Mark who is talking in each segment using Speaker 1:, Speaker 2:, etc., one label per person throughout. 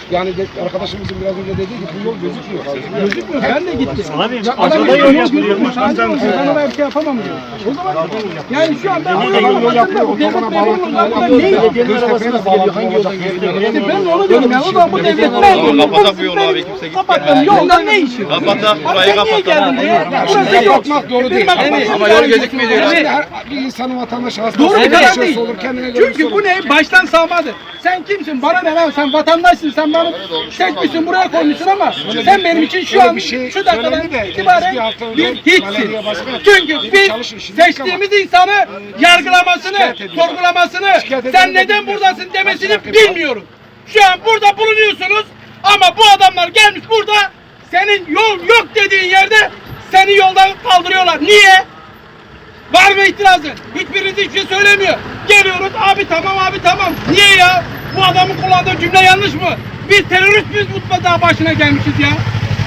Speaker 1: Yani arkadaşımızın biraz önce dediği gibi bu yol gözükmüyor.
Speaker 2: Gözükmüyor. Ben de gittim.
Speaker 3: Abi
Speaker 2: Adam
Speaker 3: aşağıda yol yapılıyor.
Speaker 2: gözükmüyor. Sadece oradan bir şey yapamam diyor. O zaman yani şu an ben bu yolu yapıyorum. Bu devlet memurunun uzaklığı ne?
Speaker 3: Belediyenin arabası nasıl geliyor? Hangi yoldan geliyor?
Speaker 2: Ben de onu diyorum ya. O zaman bu devlet memurunun
Speaker 4: Kapatak bu yolu abi, kimse gitmez.
Speaker 2: Kapattım. Yoldan ne işi?
Speaker 4: Kapatak, burayı
Speaker 2: Sen niye
Speaker 4: kapatalım.
Speaker 2: geldin buraya? Burası yok.
Speaker 1: Yapmak doğru değil.
Speaker 4: Ama yol gözükmüyor diyor.
Speaker 1: Şimdi bir insanın vatandaşı hastası
Speaker 2: Doğru bir karar değil.
Speaker 1: olur, kendine göre
Speaker 2: Çünkü bu ne? Baştan sağmadır. Sen kimsin? Bana ne lan? Sen vatandaşsın. Sen bana seçmişsin, buraya koymuşsun ama sen benim için şu an şu dakikadan itibaren bir hiçsin. Çünkü biz seçtiğimiz insanı yargılamasını, sorgulamasını, sen neden buradasın demesini bilmiyorum. Şu an burada bulunuyorsunuz ama bu adamlar gelmiş burada senin yol yok dediğin yerde seni yoldan kaldırıyorlar. Niye? Var mı itirazı? Hiçbiriniz hiçbir şey söylemiyor. Geliyoruz abi tamam abi tamam. Niye ya? Bu adamın kullandığı cümle yanlış mı? Biz terörist miyiz bu daha başına gelmişiz ya?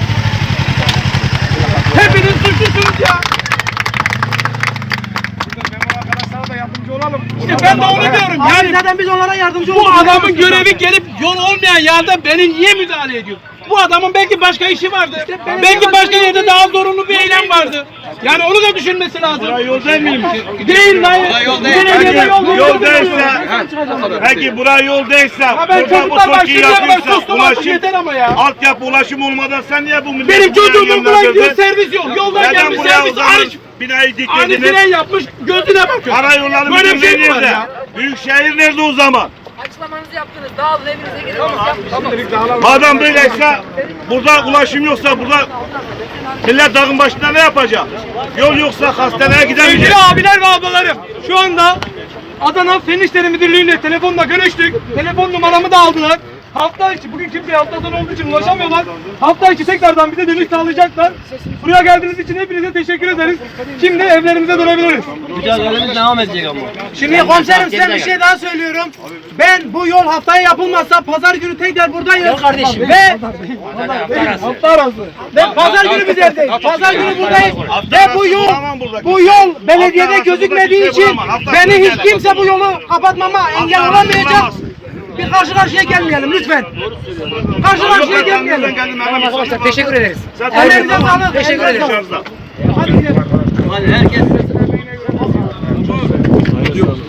Speaker 2: Hepiniz suçlusunuz ya.
Speaker 1: arkadaşlara da yardımcı olalım.
Speaker 2: İşte ben de onu diyorum. Yani
Speaker 3: Zaten biz onlara yardımcı
Speaker 2: bu adamın görevi gelip yol olmayan yerde beni niye müdahale ediyor? Bu adamın belki başka işi vardı. Belki başka yerde daha zorunlu bir eylem vardı. Yani onu da düşünmesi lazım.
Speaker 3: Buraya yol değil miymiş?
Speaker 2: Değil lan.
Speaker 4: yol değil.
Speaker 3: Yol değilse, peki buraya yol değilse,
Speaker 2: Ben
Speaker 3: burada bu
Speaker 2: çocuklar
Speaker 3: Türkiye
Speaker 2: başlayacağım ben
Speaker 3: yapıyorsa
Speaker 2: sustum artık
Speaker 3: ulaşım,
Speaker 2: yeter ama ya.
Speaker 3: altyapı ulaşım olmadan sen niye bu milleti
Speaker 2: Benim
Speaker 3: buraya
Speaker 2: çocuğum okula gidiyor
Speaker 3: yönlendirdin?
Speaker 2: servis yok. Yoldan
Speaker 3: Neden
Speaker 2: gelmiş
Speaker 3: buraya o
Speaker 2: servis
Speaker 3: zaman
Speaker 2: arış.
Speaker 3: binayı
Speaker 2: Ani
Speaker 3: diklediniz?
Speaker 2: fren yapmış gözüne bakıyor.
Speaker 3: Karayolları
Speaker 2: Böyle bir
Speaker 3: müdürlüğü
Speaker 2: şey mi var
Speaker 3: nerede?
Speaker 2: ya?
Speaker 3: Büyükşehir nerede o zaman?
Speaker 5: Açıklamanızı yaptınız. Dağılın evinize gidin.
Speaker 3: Madem böyleyse, burada ulaşım yoksa burada millet dağın başında ne yapacak? Yol yoksa hastaneye gidemeyecek.
Speaker 2: Sevgili abiler ve ablalarım, şu anda Adana Fen İşleri Müdürlüğü'yle telefonla görüştük. Telefon numaramı da aldılar. Hafta içi, bugün kimseye hafta sonu olduğu için ulaşamıyorlar. Hafta içi tekrardan bize dönüş sağlayacaklar. Buraya geldiğiniz için hepinize teşekkür ederiz. Şimdi evlerimize dönebiliriz.
Speaker 6: Mücadelemiz devam edecek ama.
Speaker 7: Şimdi komiserim size bir şey daha söylüyorum. Ben bu yol haftaya yapılmazsa pazar günü tekrar buradayım.
Speaker 6: Yok kardeşim.
Speaker 2: Hafta arası.
Speaker 7: Ve pazar günü biz evdeyiz. Pazar günü buradayız. Ve bu yol belediyede gözükmediği için beni hiç kimse bu yolu kapatmama engel olamayacak. Bir karşı karşıya gelmeyelim lütfen. Karşı karşıya gelmeyelim.
Speaker 6: Arkadaşlar teşekkür ederiz.
Speaker 7: Ellerinize sağlık.
Speaker 6: Teşekkür ederiz.
Speaker 7: Hadi gidelim.
Speaker 6: Hadi herkes.